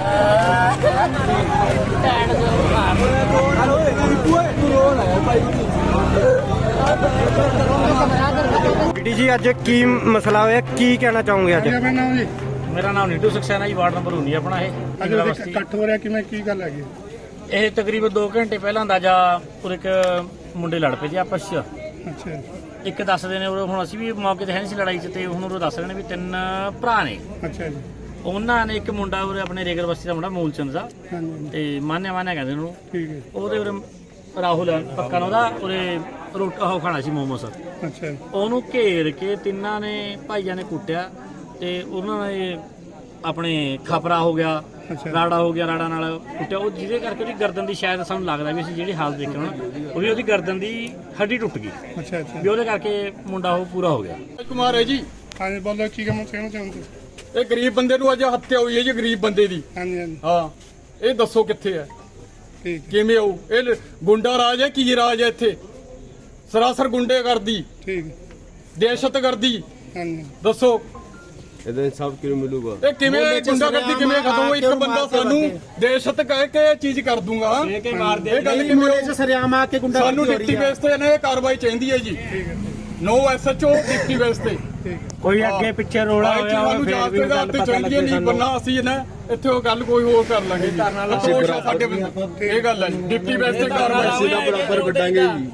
जी अज की मसला होया की कहना चाहोगे अज? मेरा नाम नीटू सक्सेना जी, वार्ड नंबर 19 अपना इकट्ठ हो रहा किवें की गल है? ਇਹ ਤਕਰੀਬਨ 2 ਘੰਟੇ ਪਹਿਲਾਂ ਅੰਦਾਜ਼ਾ ਉਰੇ ਇੱਕ ਮੁੰਡੇ ਲੜ ਪਏ ਜੀ ਆਪਸ 'ਚ। ਅੱਛਾ ਇੱਕ ਦੱਸਦੇ ਨੇ ਉਹ, ਹੁਣ ਅਸੀਂ ਵੀ ਮੌਕੇ ਤੇ ਹੈ ਨਹੀਂ ਸੀ ਲੜਾਈ 'ਚ, ਤੇ ਹੁਣ ਉਹ ਦੱਸ ਰਹੇ ਨੇ ਵੀ 3 ਭਰਾ ਨੇ। ਅੱਛਾ ਜੀ। ਉਹਨਾਂ ਨੇ ਇੱਕ ਮੁੰਡਾ ਉਰੇ ਆਪਣੇ ਰੇਗਰ ਬਸਤੀ ਦਾ ਮੁੰਡਾ ਮੂਲਚੰਦ ਦਾ, ਤੇ ਮਾਨਿਆ ਕਹਿੰਦੇ ਉਹਨੂੰ। ਠੀਕ ਹੈ। ਉਹਦੇ ਉਰੇ ਰਾਹੁਲ ਪੱਕਾ ਉਹਦਾ ਉਰੇ ਉਹ ਖਾਣਾ ਸੀ ਮੋਮੋਸ। ਅੱਛਾ। ਉਹਨੂੰ ਘੇਰ ਕੇ ਤਿੰਨਾਂ ਨੇ ਭਾਈਆਂ ਨੇ ਕੁੱਟਿਆ, ਤੇ ਉਹਨਾਂ ਨੇ ਆਪਣੇ ਖਪਰਾ ਹੋ ਗਿਆ, ਰਾੜਾ ਹੋ ਗਿਆ, ਰਾੜਾ ਨਾਲ ਕੁੱਟਿਆ। ਉਹ ਜਿਹਦੇ ਕਰਕੇ ਉਹਦੀ ਗਰਦਨ ਦੀ ਸ਼ਾਇਦ ਸਾਨੂੰ ਲੱਗਦਾ ਵੀ ਅਸੀਂ ਜਿਹੜੀ ਹਾਲਤ ਦੇਖੀ ਹੁਣ, ਉਹ ਵੀ ਉਹਦੀ ਗਰਦਨ ਦੀ ਹੱਡੀ ਟੁੱਟ ਗਈ। ਅੱਛਾ ਅੱਛਾ। ਵੀ ਉਹਦੇ ਕਰਕੇ ਮੁੰਡਾ ਉਹ ਪੂਰਾ ਹੋ ਗਿਆ। ਕੁਮਾਰ ਹੈ ਜੀ। ਹਾਂਜੀ ਬੋਲੋ, ਕੀ ਕਹਿਣਾ ਚਾਹੁੰਦੇ? ਇਹ ਗਰੀਬ ਬੰਦੇ ਨੂੰ ਅੱਜ ਹੱਤਿਆ ਹੋਈ ਹੈ ਜੀ, ਗਰੀਬ ਬੰਦੇ ਦੀ। ਹਾਂਜੀ ਹਾਂਜੀ। ਹਾਂ, ਇਹ ਦੱਸੋ ਕਿੱਥੇ ਹੈ, ਠੀਕ ਕਿਵੇਂ ਆਉ? ਇਹ ਗੁੰਡਾ ਰਾਜ ਹੈ, ਕੀ ਰਾਜ ਹੈ ਇੱਥੇ? ਸਰਾਸਰ ਗੁੰਡੇ ਕਰਦੀ, ਠੀਕ, ਦਹਿਸ਼ਤ ਕਰਦੀ। ਹਾਂਜੀ ਦੱਸੋ ਇਹਦੇ ਸਭ ਕਿਉਂ ਮਿਲੂਗਾ? ਇਹ ਕਿਵੇਂ ਗੁੰਡਾਗਰਦੀ ਕਿਵੇਂ ਖਤਮ? ਇੱਕ ਬੰਦਾ ਸਾਨੂੰ ਦਹਿਸ਼ਤ ਕਹਿ ਕੇ ਇਹ ਚੀਜ਼ ਕਰ ਦੂੰਗਾ, ਇਹ ਗੱਲ ਕਿਵੇਂ? ਸਰਿਆਮ ਆ ਕੇ ਗੁੰਡਾ ਸਾਨੂੰ ਡਿਪਟੀ ਬੇਸ ਤੇ ਇਹ ਕਾਰਵਾਈ ਚਾਹੀਦੀ ਹੈ ਜੀ। ਨੋ ਐਸਐਚਓ ਡਿਪਟੀ ਬੇਸ ਤੇ। ਕੋਈ ਅੱਗੇ ਪਿੱਛੇ ਰੋਲਾ ਹੋਇਆ ਸਾਨੂੰ ਜਾਂਚ ਦੇ ਆਧਾਰ ਤੇ ਚਾਹੀਦੀ ਹੈ, ਨਹੀਂ ਬੰਨਾ ਅਸੀਂ ਨਾ ਇੱਥੇ ਉਹ ਗੱਲ ਕੋਈ ਹੋਰ ਕਰ ਲਾਂਗੇ ਜੀ। ਸਾਡੇ ਇਹ ਗੱਲ ਹੈ ਡਿਪਟੀ ਬੇਸ ਤੇ ਕਾਰਵਾਈ ਸਿੱਧਾ ਬਰਾਬਰ ਕੱਢਾਂਗੇ ਜੀ।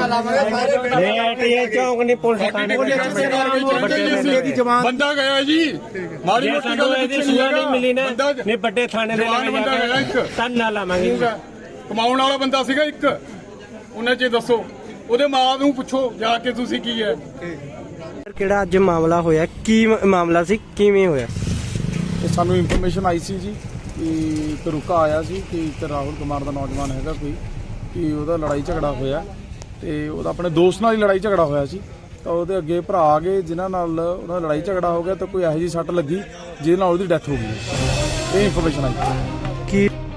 ਚੌਂਕ ਨਹੀਂ ਪੁਲਿਸ ਬੰਦਾ ਗਿਆ ਜੀ, ਮਾੜੀ ਮੋਟੀ ਗੱਲ ਨਹੀਂ ਮਿਲੀ ਨਾ, ਨਹੀਂ ਵੱਡੇ ਥਾਣੇ ਦੇ ਬੰਦਾ ਗਿਆ ਇੱਕ, ਤਨ ਨਾ ਲਾਵਾਂਗੇ। ਕਮਾਉਣ ਵਾਲਾ ਬੰਦਾ ਸੀਗਾ ਇੱਕ। ਉਹਨਾਂ ਚ ਦੱਸੋ, ਉਹਦੇ ਮਾਂ ਨੂੰ ਪੁੱਛੋ ਜਾ ਕੇ ਤੁਸੀਂ ਕੀ ਹੈ। ਕਿਹੜਾ ਅੱਜ ਮਾਮਲਾ ਹੋਇਆ, ਕੀ ਮਾਮਲਾ ਸੀ, ਕਿਵੇਂ ਹੋਇਆ? ਸਾਨੂੰ ਇਨਫੋਰਮੇਸ਼ਨ ਆਈ ਸੀ ਜੀ ਕਿ ਇੱਕ ਰੁਕਾ ਆਇਆ ਸੀ ਕਿ ਇੱਕ ਰਾਹੁਲ ਕੁਮਾਰ ਦਾ ਨੌਜਵਾਨ ਹੈਗਾ ਕੋਈ, ਕਿ ਉਹਦਾ ਲੜਾਈ ਝਗੜਾ ਹੋਇਆ, ਤੇ ਉਹਦਾ ਆਪਣੇ ਦੋਸਤ ਨਾਲ ਹੀ ਲੜਾਈ ਝਗੜਾ ਹੋਇਆ ਸੀ। ਤਾਂ ਉਹਦੇ ਅੱਗੇ ਭਰਾ ਆ ਗਏ ਜਿਨ੍ਹਾਂ ਨਾਲ ਉਹਦਾ ਲੜਾਈ ਝਗੜਾ ਹੋ ਗਿਆ, ਤਾਂ ਕੋਈ ਇਹੋ ਜਿਹੀ ਸੱਟ ਲੱਗੀ ਜਿਹਦੇ ਨਾਲ ਉਹਦੀ ਡੈਥ ਹੋ ਗਈ। ਇਹ ਇਨਫੋਰਮੇਸ਼ਨ ਆਈ। ਕੀ